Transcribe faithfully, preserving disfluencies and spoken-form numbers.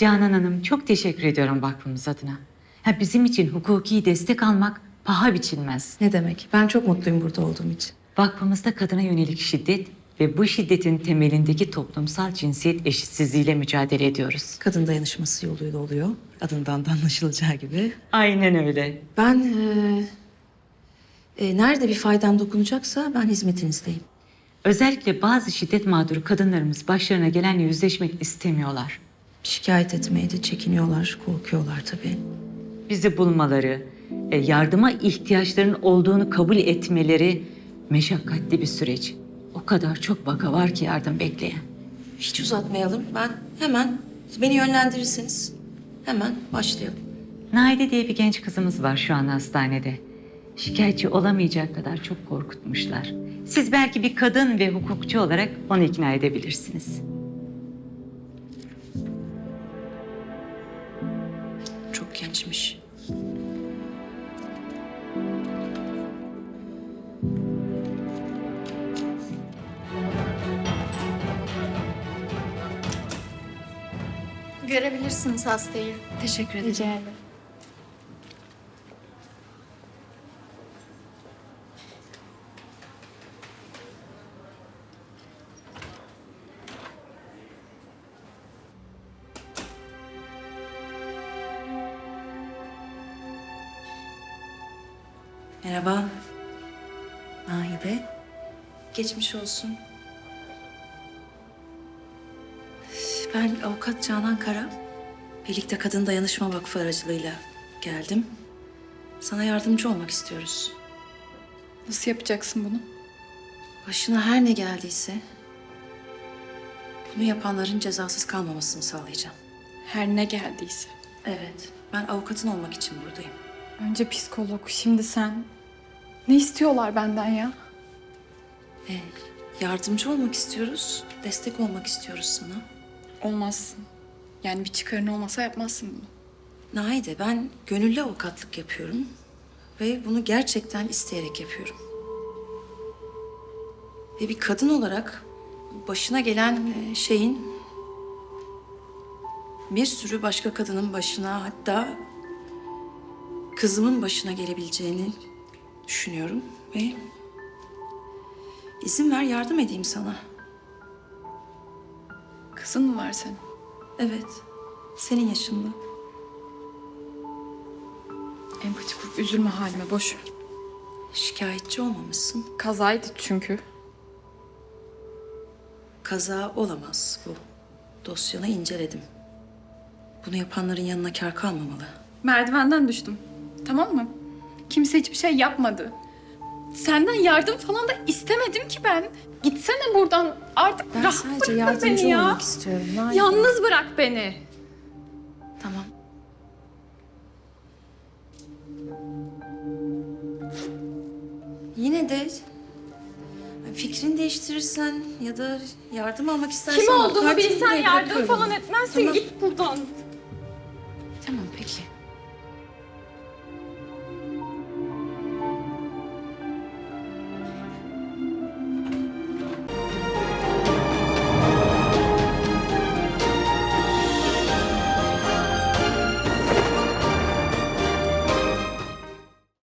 Canan Hanım, çok teşekkür ediyorum vakfımız adına. Ha, bizim için hukuki destek almak paha biçilmez. Ne demek? Ben çok mutluyum burada olduğum için. Vakfımızda kadına yönelik şiddet ve bu şiddetin temelindeki toplumsal cinsiyet eşitsizliğiyle mücadele ediyoruz. Kadın dayanışması yoluyla oluyor. Adından da anlaşılacağı gibi. Aynen öyle. Ben e, e, nerede bir faydam dokunacaksa ben hizmetinizdeyim. Özellikle bazı şiddet mağduru kadınlarımız başlarına gelenle yüzleşmek istemiyorlar. Şikayet etmeye de çekiniyorlar, korkuyorlar tabii. Bizi bulmaları, e, yardıma ihtiyaçlarının olduğunu kabul etmeleri meşakkatli bir süreç. O kadar çok vaka var ki yardım bekleyen. Hiç uzatmayalım. Ben hemen beni yönlendirirseniz hemen başlayalım. Naide diye bir genç kızımız var şu an hastanede. Şikayetçi olamayacak kadar çok korkutmuşlar. Siz belki bir kadın ve hukukçu olarak onu ikna edebilirsiniz. Çok gençmiş. Görebilirsiniz hastayı. Teşekkür ederim. Rica ederim. Merhaba. Nahide. Geçmiş olsun. Ben avukat Canan Kara. Birlikte Kadın Dayanışma Vakfı aracılığıyla geldim. Sana yardımcı olmak istiyoruz. Nasıl yapacaksın bunu? Başına her ne geldiyse bunu yapanların cezasız kalmamasını sağlayacağım. Her ne geldiyse. Evet, ben avukatın olmak için buradayım. Önce psikolog, şimdi sen. Ne istiyorlar benden ya? E, yardımcı olmak istiyoruz, destek olmak istiyoruz sana. Olmazsın. Yani bir çıkarın olmasa yapmazsın bunu. Nahide, ben gönüllü avukatlık yapıyorum ve bunu gerçekten isteyerek yapıyorum. Ve bir kadın olarak başına gelen e, şeyin bir sürü başka kadının başına, hatta kızımın başına gelebileceğini düşünüyorum ve izin ver yardım edeyim sana. Kızın mı var senin? Evet, senin yaşında. Empati kurup üzülme halime, boş ver. Şikayetçi olmamışsın. Kazaydı çünkü. Kaza olamaz bu. Dosyanı inceledim. Bunu yapanların yanına kâr kalmamalı. Merdivenden düştüm. Tamam mı? Kimse hiçbir şey yapmadı. Senden yardım falan da istemedim ki ben. Gitsene buradan. Artık Ben rahat sadece bırak yardımcı beni ya. olmak istiyorum. Nahide. Yalnız bırak beni. Tamam. Yine de fikrini değiştirirsen ya da yardım almak istersen... Kim olduğumu avukatlığı bilsen buraya yardım bırakıyorum. falan etmezsin. Tamam. Git buradan. Tamam, peki.